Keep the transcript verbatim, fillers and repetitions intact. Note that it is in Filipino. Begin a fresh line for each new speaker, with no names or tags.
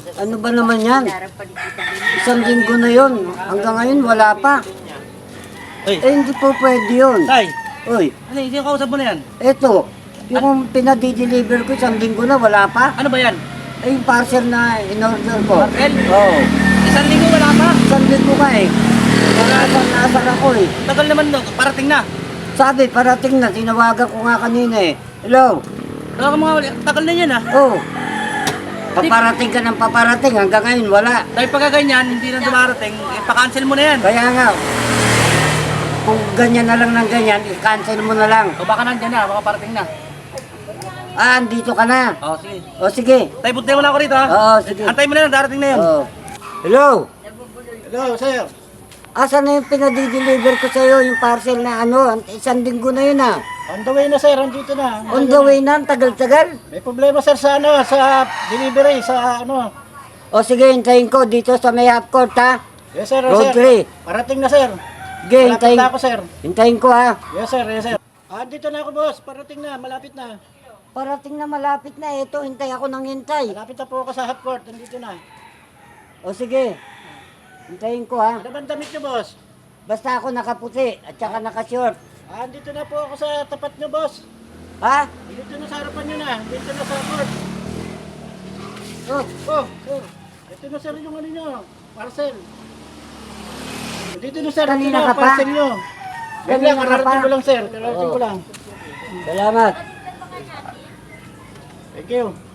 Ano ba naman yan? Isang linggo na yon. Hanggang ngayon wala pa.
Uy,
Eh hindi po pwede yun.
tay,
Uy,
ano yung kausap mo na yan?
eto. Yung pinadi-deliver ko isang linggo na wala pa.
Ano ba yan?
Eh yung parcel na in-order ko.
Parcel?
Oo.
Isang linggo wala pa?
Isang linggo ka eh. Nasaan nasaan ako eh.
Tagal naman no, parating na.
Sabi, parating na. Tinawagan ko nga kanina eh. Hello?
Tagal mga tagal na yan ah.
Oh. Paparating ka ng paparating. Hanggang ngayon wala.
Dahil pagka ganyan, hindi na dumarating, eh, pa-cancel mo na yan.
Kaya nga, kung ganyan na lang ng ganyan, i-cancel mo na lang.
O baka nandyan na, baka parating na.
Ah, andito ka na.
O sige.
O sige.
Tay, buntay mo na ako rito ha.
Oo, sige.
Antay mo na yan, darating na yan.
Oo. Hello?
Hello, sir.
Asan na yung pinadi-deliver ko sa'yo, yung parcel na ano, isang linggo na yun ah.
On the way na sir, andito na.
On the way na, ang tagal-tagal.
May problema sir sa ano, sa delivery, sa ano.
O sige, hintayin ko dito sa may half court ha.
Yes sir, yes,
Road
sir.
three.
Parating na sir.
Sige,
Malapit
hintayin,
na ako sir.
hintayin ko ha.
Yes sir, yes sir. Ah, andito na ako boss, parating na, malapit na.
Parating na malapit na, ito, hintay ako ng hintay.
Malapit na po ako sa half court, andito na.
O sige, hintayin ko ha.
Ano bang damit niyo boss?
Basta ako nakaputi at saka nakashort.
Ah, andito na po ako sa tapat niyo boss.
Ha?
Andito na sa harapan niyo na, andito na sa court.
Oh,
Oh, sir. Ito na sir yung ano niyo, parcel. Dito na sir, ito
Kanina
na,
ka pa?
parcel niyo.
Kanina
Ganyan,
ka
kararating
pa?
ko lang sir, kararating
Oo.
ko lang.
salamat.
Thank you.